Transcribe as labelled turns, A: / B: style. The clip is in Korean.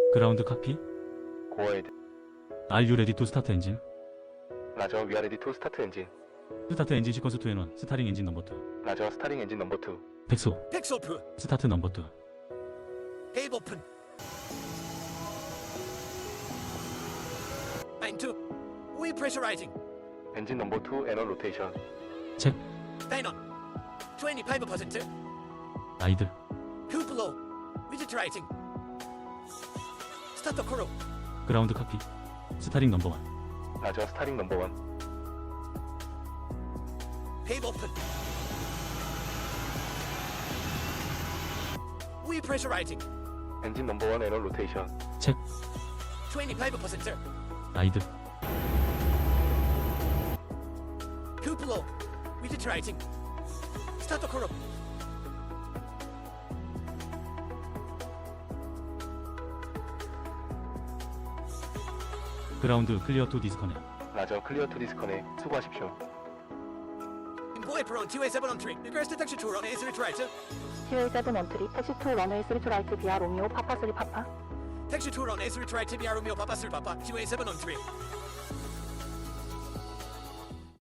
A: 그라운드 카피.
B: Go ahead.
A: Are you ready to start engine?
B: 라저, we are ready to start engine.
A: 스타트 엔진 시퀀스 2N1 스타링 엔진 넘버 2.
B: 라저, starting engine number 2.
A: 백소
C: 픽셀프
A: 스타트 넘버 2.
C: 테이블 오픈 마인드 위 프레셔라이징
B: Engine number 2 annual rotation.
A: 책
C: 페인온 25%
A: 아이들
C: 쿠플로 위지트라이징 스타트 코로
A: 그라운드 카피. 스타링 넘버 1.
B: 라저, starting number 1.
C: 테이블 오픈 위 프레셔라이징
B: Engine number 1 annual rotation.
A: 책
C: 25%
A: 아이들
C: 쿠플로 위지트라이징 스타트 코로
A: 그라운드 클리어 투 디스커넥.
B: 라저, clear to disconnect. 수고하십시오.
C: Employee per on 2A713 reverse detection tour on A3 right
D: QA713 택시 2 런웨이 3 라이트 비아 로미오 파파 3 파파
C: Taxi tour on A3 right via Romeo Papa Sir Papa 2A713